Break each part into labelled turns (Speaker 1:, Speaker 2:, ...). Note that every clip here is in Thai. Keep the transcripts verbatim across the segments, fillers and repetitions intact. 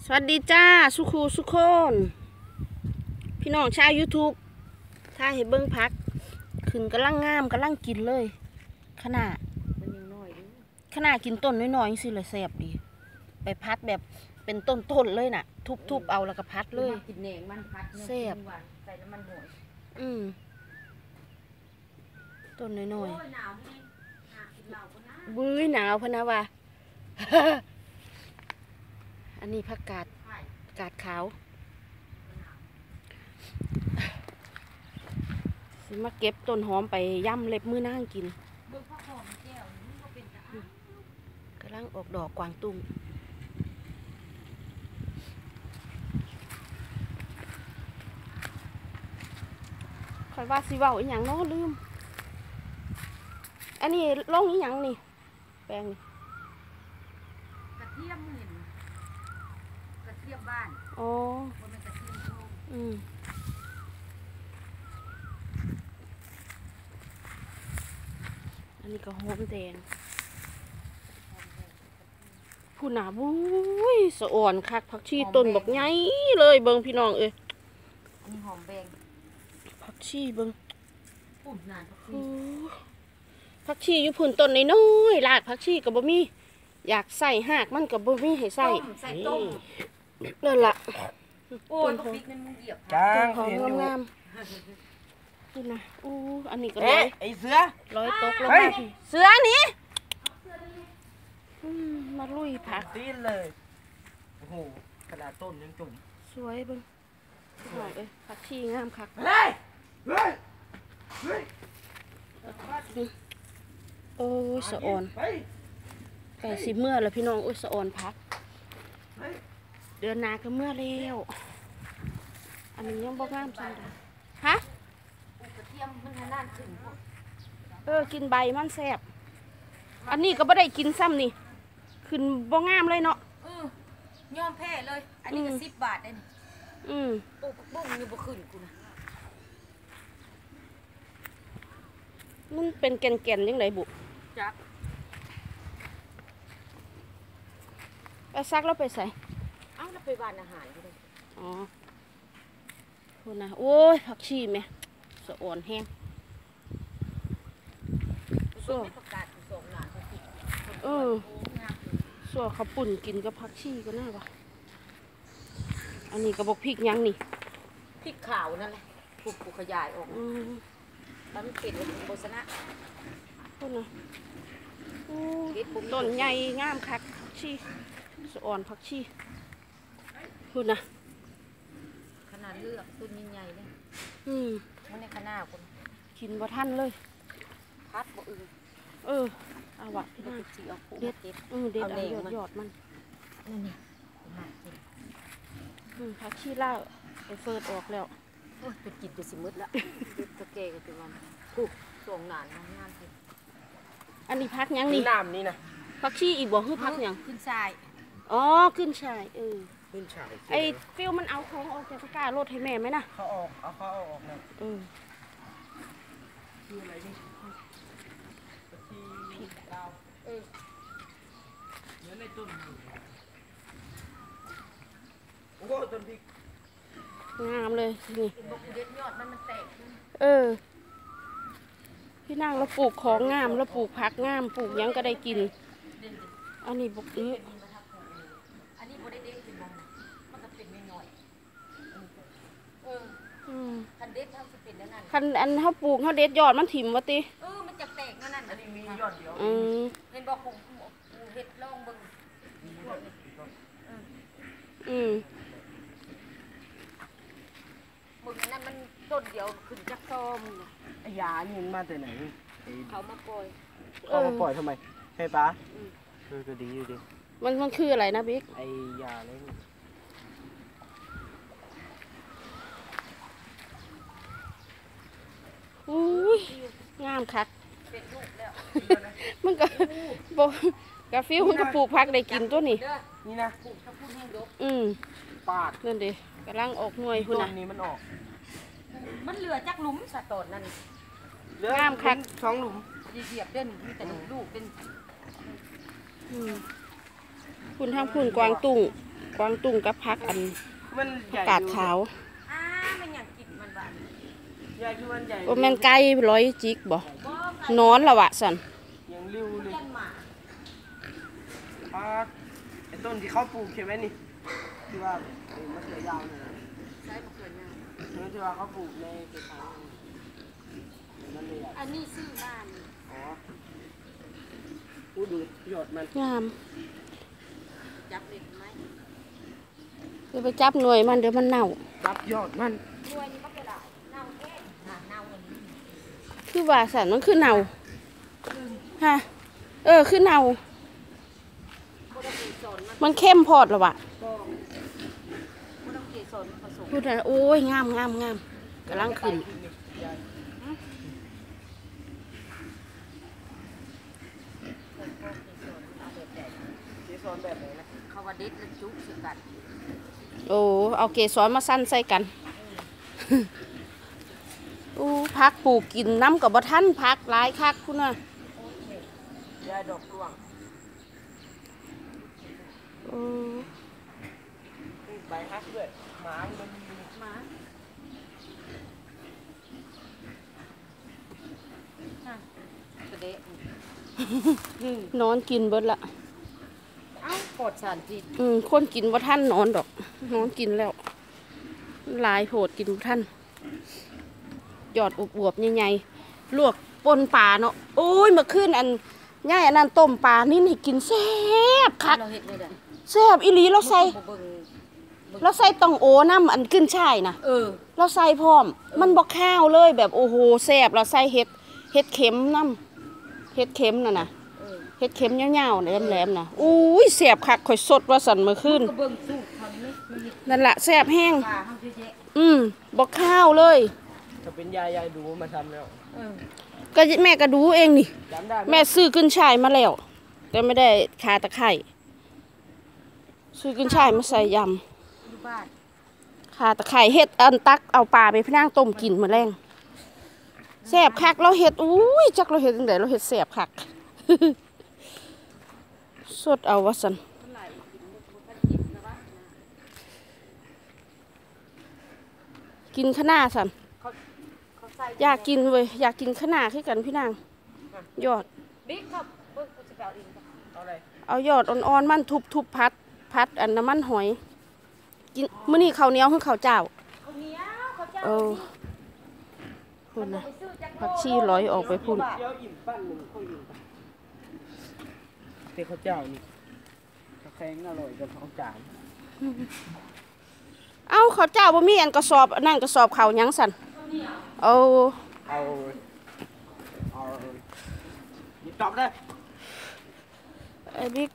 Speaker 1: สวัสดีจ้าสุขูสุขคนพี่น้องชาว ยูทูบ ถ้าเห็นเบิ้งพักขึ้นกำลังงามกำลังกินเลยขนาดขนาดกินต้นน้อยๆสิเลยแซ่บดีไปพัดแบบเป็นต้นๆเลยน่ะ ทุบๆเอาแล้วก็พัดเลย
Speaker 2: กินเองมันพัด
Speaker 1: แซ่บ
Speaker 2: ใส่น้ำมันหอย
Speaker 1: อืมต้นน้อยๆบื้อหนาวพะนะว่า อันนี้ผักกาดกาดขาวสิมาเก็บต้นหอมไปย่ำเล็บมือนั่งกินกำลังออกดอกกวางตุ้งคอยว่าสิเว้าอีหยังเนาะลืมอันนี้ลงอีหยังนี่แปลงนี่
Speaker 2: กระเทียมเห็นกระเทียมบ้าน
Speaker 1: อ๋อ
Speaker 2: มันเป็นกระเทียมโลก
Speaker 1: อืมอันนี้ก็หอมแดงผู้หนาบุ้ยสะอ่อนคักผักชีต้นบอกไงเลยเบิงพี่น้องเอ้ย
Speaker 2: อันนี้หอมแดง
Speaker 1: ผักชีเบิง
Speaker 2: ปุ่นนานผักชี
Speaker 1: ผักชีอยู่พุ่นต้นน้อยๆรากผักชีกับบ่มีอยากใส่หากมันกับบ่มีให้ใส่
Speaker 2: ใส่ต้ม
Speaker 1: นั่นล่ะ
Speaker 2: โอ้ยพริกนั่นมึงเหยียบ
Speaker 1: จ้างหอมงามๆนี่นะอู้อันนี้ก็ร้อย
Speaker 3: ไอเสือ
Speaker 1: ร้อยตกลงมาเสือนี่มาลุยผัก
Speaker 3: ตีนเลยโอ้โหกระดาษต้นยังจุ่ม
Speaker 1: สวยเบิ้งสวยเลยผักชีงามคัก
Speaker 3: เฮ้ยเฮ้ยเฮ้ย
Speaker 1: โอ้ยสะอ่อนไก่สิเมื่อแล้วพี่น้องโอ้ยสะอ่อนพักเดือนนาก็เมื่อแล้วอันนี้ยังบ่งามจังเลยฮะ
Speaker 2: กระเทียมมันนานขึ้น
Speaker 1: เออกินใบมันแซ่บอันนี้ก็บ่ได้กินซ้ำนี่ขึ้นบ่งามเลยเนาะ
Speaker 2: เออยอมแพ้เลยอันนี้ก็สิบบาทเอง
Speaker 1: อืม
Speaker 2: ปลูกบุ้งอยู่บ่ขึ้นกูนะ
Speaker 1: มันเป็นแก่นๆยังไงบุ
Speaker 2: จัก
Speaker 1: ไปซักแล้วไปใส่
Speaker 2: เอ้าแล้วไปบ้านอาหารด้วย
Speaker 1: อ๋อคุณนะโอ้ยผักชีไหมสะอ่อนแห้ง
Speaker 2: ส่วนประกาศส่งหลาน
Speaker 1: เออส่วนเขาปุ่นกินกับผักชีก็น่าว่ะอันนี้กระบอกพริกยังนี่
Speaker 2: พริกขาวนั่นแหละปลูกปลูกขยายออกแล้วมันเป็นโฆษณา
Speaker 1: คุณนะต้นใหญ่งามคักผักชีสะอ่อนผักชีคุณนะ
Speaker 2: ขนาดเลือกต้นใหญ่ๆเลย
Speaker 1: อืม
Speaker 2: มันในขนาดคน
Speaker 1: กินบ่ทันเลย
Speaker 2: พัดบ่อื่น
Speaker 1: เออเอาวะ
Speaker 2: เด็ดจีเอาคู่
Speaker 1: เด็ดอือเด็ดเอาหยอดหยอดมัน
Speaker 2: นี่นี่
Speaker 1: อืมผักชีล่าไปเฟิร์ดออกแล้ว
Speaker 2: โอ้ยไปกินไปสิมืดละตะเกียกันตัวมันถูกส่งหนานงานสิ
Speaker 1: อันนี้พักยังนี่
Speaker 3: น้ำนี่นะ
Speaker 1: ผักชีอีกบ่คือพักยัง
Speaker 2: ขึ้นชาย
Speaker 1: อ๋อขึ้นชายเออ
Speaker 3: ขึ้นชาย
Speaker 1: ไอ้ฟิวมันเอาของออกจากตะกร้ารถให้แม่ไหมนะ
Speaker 3: เขาออกเอาเขาเอาออกเลย
Speaker 1: เออ
Speaker 3: คืออะไรนี่ที่ดาวเออเนื้อในต้นโอ้โหต้นพริก
Speaker 1: งามเลยนี่
Speaker 2: เด็ดยอดมันมันแตก
Speaker 1: เออพี่นางเราปลูกของงามเราปลูกผักงามปลูกยังก็ได้กินอันนี้บุกอื้อ
Speaker 2: อันนี้โบได้เด็ดเป็นมันมันจะเป็นไม่น้อยเออคันเด็ดเท่าสิเป็นแล้วนั่น
Speaker 1: คันอันเขาปลูกเขาเด็ดยอดมันถิ่มวะติ
Speaker 2: เออมันจะแตกนั่นนั่น
Speaker 3: อันนี้มียอดเดียว
Speaker 1: อืม
Speaker 2: เห็นบอกผมเห็ดลองบึง
Speaker 1: อืม
Speaker 2: มึงนั่นมันต้นเดียวขึ้นจักซอม
Speaker 3: ไอ้ยานี่มันมาแต่ไหน
Speaker 2: เขามาปล่อย
Speaker 3: เขามาปล่อยทำไมให้ป้าเออก็ดีอยู่ดิ
Speaker 1: มันมันคืออะไรนะบิ๊ก
Speaker 3: ไอ้ยาอะไรนี่
Speaker 1: อุ้ยงามคักมันก็บอกกาฟิวมันก็ปลูกผักได้กินตัวนี้
Speaker 3: นี่นะ
Speaker 1: อืม
Speaker 3: ปาด
Speaker 1: นั่นดิกำลังออกหน่วยคุณ
Speaker 3: นะนี่มันออก
Speaker 2: มันเหลือจักหลุมสะตดนั่น
Speaker 1: งามคัก
Speaker 3: สองหลุม
Speaker 2: เหยียบเด่นมีแต่ลูกเป็น
Speaker 1: คุณทางคุณกวางตุ้งกวางตุ้งกับผักอัน
Speaker 3: มันใหญ่
Speaker 1: กาดขาว
Speaker 2: อ้ามันอยากกินมันบ้าน
Speaker 3: ใหญ่คือมันใหญ่
Speaker 1: โอแมนไก่ร้อยจิกบ่นอนละวะสัน
Speaker 3: ยังริ้วเลย
Speaker 2: ยันหมา
Speaker 3: ปาดไอ้ต้นที่เขาปลูกใช่ไหมนี่ที่ว่าไอ้มะเขือยาวเนี่ยนะ
Speaker 2: ใช้มะเขือยาว
Speaker 3: นั่นที่ว่าเขาปลูกในกระถางนั่นเลยอ่ะ
Speaker 2: อันนี้ซื้อบ้าน
Speaker 3: อ๋ออู้ดูยอดมัน
Speaker 1: งาม
Speaker 2: จับเด็ดไหม
Speaker 1: จะไปจับหน่วยมันเดี๋ยวมันเน่า
Speaker 3: รับยอดมัน
Speaker 2: ด้วยนี่ก็ไปได้เน่าแค่น่ะเน่าอันนี้
Speaker 1: คือว่าสันมันคือเน่าฮะเออคือเน่า
Speaker 2: บ่ต้องเกสรมัน
Speaker 1: มันเข้มพอดละวะ
Speaker 2: ก็บ่ต้องเกสรผสม
Speaker 1: พูดนะโอ้ยงามงามงามกำลังขึ้น
Speaker 3: เกสรแบบไหนนะ
Speaker 2: เขาว่าเด็ดแล้วจุกสิกัน
Speaker 1: โอ้เอาเกสรมาสั้นใส่กันอู้พักปลูกกินน้ำกับบ่ทันพักหลายคักคุณน่ะ
Speaker 3: ยาดอกร่วง
Speaker 1: โอ้
Speaker 3: ใบฮักด้วยหมามันมี
Speaker 2: หมาน่ะกระเดะ
Speaker 1: นอนกินเบิดละ
Speaker 2: เอ้าปลอดสารพิษ
Speaker 1: อืมคนกินบ่ทันนอนดอก นอนกินแล้วหลายโผดกินบ่ทันยอดอวบๆใหญ่ๆลวกปนปลาเนาะโอ้ยเมื่อคืนอันย่ายอันนั้นต้มปลานี่นี่กินแซ่บคัก
Speaker 2: เราเฮ็ดเลยเด้อ
Speaker 1: แซ่บอีหลีเราใส่
Speaker 2: บ่เบิ่ง
Speaker 1: เราใส่ตองโอน้ำอันขึ้นช่ายนะ
Speaker 2: เออ
Speaker 1: เราใส่พร้อม มันบอกข้าวเลยแบบโอ้โหแซ่บเราใส่เห็ดเห็ดเข็มน้ำเห็ดเข็มน่ะนะ
Speaker 2: เออ
Speaker 1: เห็ดเข็มยาวๆแหลมๆนะอุ้ยแซ่บคักข่อยสดว่าสันเมื่อคืน
Speaker 2: ก็เบิ่งสูตรเขานี่มันเฮ็ด
Speaker 1: นั่นละแซ่บแห้ง
Speaker 2: ปลาเฮาเยอะแยะ
Speaker 1: อืมบอกข้าวเลย
Speaker 3: ถ้าเป็นยายยายดูมาทำแล้ว
Speaker 2: เออ
Speaker 1: ก็แม่ก็ดูเองนี่
Speaker 3: จำได้ไหม
Speaker 1: แม่ซื้อขึ้นช่ายมาแล้ว แต่ไม่ได้คาตะไคร่ซื้อขึ้นช่ายมาใส่ย
Speaker 2: อยู่บ้าน
Speaker 1: ำคาตะไคร่เฮ็ดอันตักเอาปลาไปพนั่งต้มกินมื้อแรงแซ่บคักเราเฮ็ดอุ้ยจักเราเฮ็ดจังไดเราเฮ็ดแซ่บคัก สดเอาว่าซั่น
Speaker 2: เมื่อไหร่กินบ่ทันกินนะวะ
Speaker 1: กินข้าวหน้าซั่น
Speaker 2: เขาเขาใส่
Speaker 1: อยากกินเว้ยอยากกินข้าวหน้าคือกันพี่นางยอด
Speaker 2: บิ๊กครับเบิ่งกูจะไปเอาเองครับ
Speaker 3: เอาอะไร
Speaker 1: เอายอดอ่อนๆมันทุบๆพัดพัดอันน้ำมันหอยกินมื้อนี้ข้าวเหนียวคือข้าวเจ้า
Speaker 2: ข้าวเหนียวข้าวเจ้า
Speaker 1: เออพุ่นนะผักชีร้อยออกไปพุ่น
Speaker 3: เดี๋ยวอิ่มปั้นหนึ่งค่อยอิ่มไปเต้ข้าวเจ้านี่กาแฟอร่อยกับข้าวจาน
Speaker 1: เอ้าข้าวเจ้าบ่มีอันกระสอบอันนั่นกระสอบข้าวหยังสั่นเอา
Speaker 3: เอาเอาหยิบตอบได้
Speaker 1: ไอ้บิ๊ก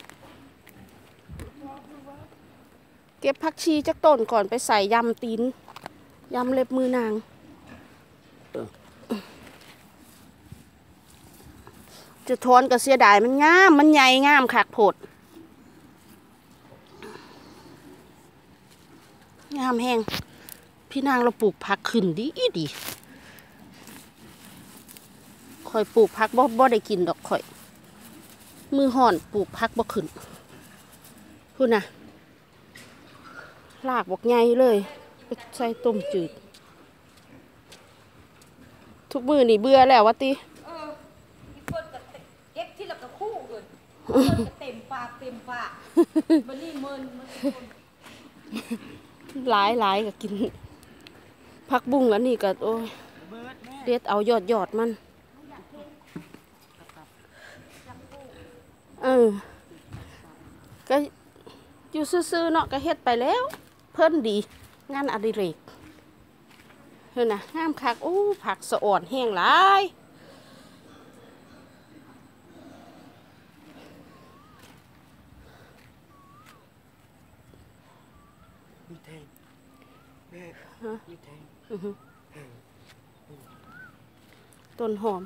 Speaker 1: เก็บผักชีจักต้นก่อนไปใส่ยำตีนยำเล็บมือนางจะทอนก็เสียดายมันงามมันใหญ่งามคักโพดงามแห้งพี่นางเราปลูกผักขึ้นดีดีข่อยปลูกผักบ่บ่ได้กินดอกข่อย มือห่อนปลูกผักบ่ขึ้นพูดนะลากบอกใหญ่เลยใส่ต้มจืด ทุกมือนี่เบื่อแล้ววะติ
Speaker 2: เอออีเปิ้ลก็เก็บที่ละกระคู่เกินเปิ้ลก็เต็มปากเต็มปากบัดนี้เมินมันคน
Speaker 1: หลายหลายก็กินผักบุ้งอันนี้ก็โอ้ยเด็ดเอายอดยอดมันเออก็อยู่ซื่อๆเนาะก็เฮ็ดไปแล้ว เพิ่นดี งานอดิเรกเฮ้ยนะงามคักโอ้ผักสะอ่อนแห้งหลาย
Speaker 3: มีแทงแม่
Speaker 1: ฮะ
Speaker 3: มีแทง
Speaker 1: อือฮึต้นหอม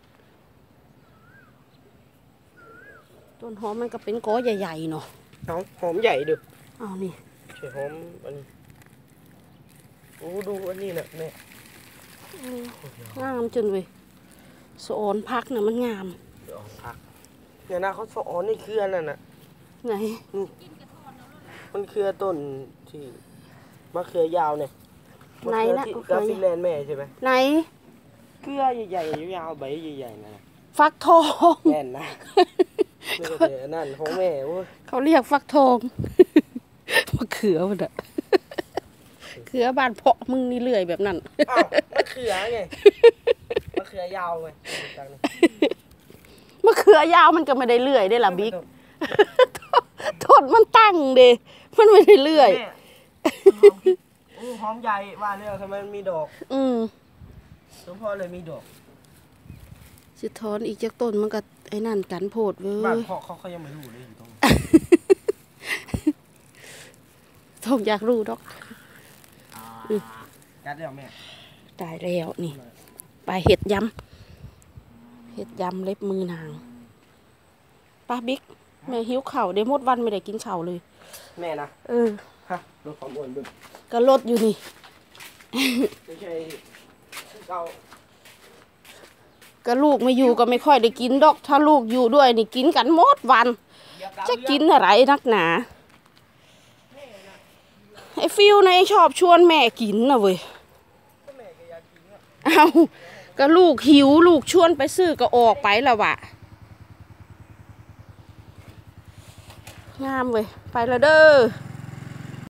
Speaker 1: ต้นหอมมันก็เป็นก้อใหญ่ๆเนาะ
Speaker 3: เอาหอมใหญ่ดู
Speaker 1: เอานี่
Speaker 3: ใช่หอมอันนี้โอ้ดูอันนี้นะแม่
Speaker 1: งามจนเว้ยสะออนพักน่ะมันงาม
Speaker 3: เดี๋ยวเอาพักเนี่ยนะเขาสอนนี่คืออันนั้นน่ะ
Speaker 1: ไหน
Speaker 3: นี่มันคือต้นที่มะเขือยาวเนี่ยมะเขือที่กาฟิแลนด์แม่ใช่ไหม
Speaker 1: ไหน
Speaker 3: เกลือใหญ่ๆยาวๆใบใหญ่ๆนะ
Speaker 1: ฟักทอง
Speaker 3: แน่นนะนี่ก็แต่นั่นของแม่โอ้ย
Speaker 1: เขาเรียกฟักทอง มะเขือมันอะเขือบ้านเพาะมึงนี่เลื่อยแบบนั้น
Speaker 3: อ้าวมะเขือไงมะเขือยาวไงจังเลย
Speaker 1: มะเขือยาวมันก็ไม่ได้เลื่อยได้ล่ะบิ๊ก โทษมันตั้งเดมันไม่ได้เลื่อย
Speaker 3: แม่โอ้หอมใหญ่ว่าเรื่องทำไมมันมีดอก
Speaker 1: อืม
Speaker 3: หลวงพ่อเลยมีดอก
Speaker 1: สิทอนอีกจากต้นมันก็ไอ้นั่นกันโพดเว้
Speaker 3: บ้าน
Speaker 1: ย
Speaker 3: พ่อเขาเขายังไม่รู้เลยอยู่ตรงไหน
Speaker 1: ต้องอยากรู้ดอก
Speaker 3: กัดแล้วแม่
Speaker 1: ตายแล้วนี่ไปเห็ดยำเห็ดยำเล็บมือนางป้าบิ๊กแม่หิวเข่าวเดมดวันไม่ได้กินเข่าวเลย
Speaker 3: แม่นะ
Speaker 1: เออ
Speaker 3: ฮะลดความอ้วนบึ้ง
Speaker 1: ก็ลดอยู่นี่
Speaker 3: ไม่ใช่เรา
Speaker 1: ก็ลูกไม่อยู่ก็ไม่ค่อยได้กินดอก ถ้าลูกอยู่ด้วยนี่กินกันหมดวัน จะกินอะไรนักหนาไอ้ฟิวนะชอบชวนแม่กินนะเว้ยเอาก็ลูกหิวลูกชวนไปซื้อก็ออกไปแล้ววะงามเว้ยไปแล้วเด้อ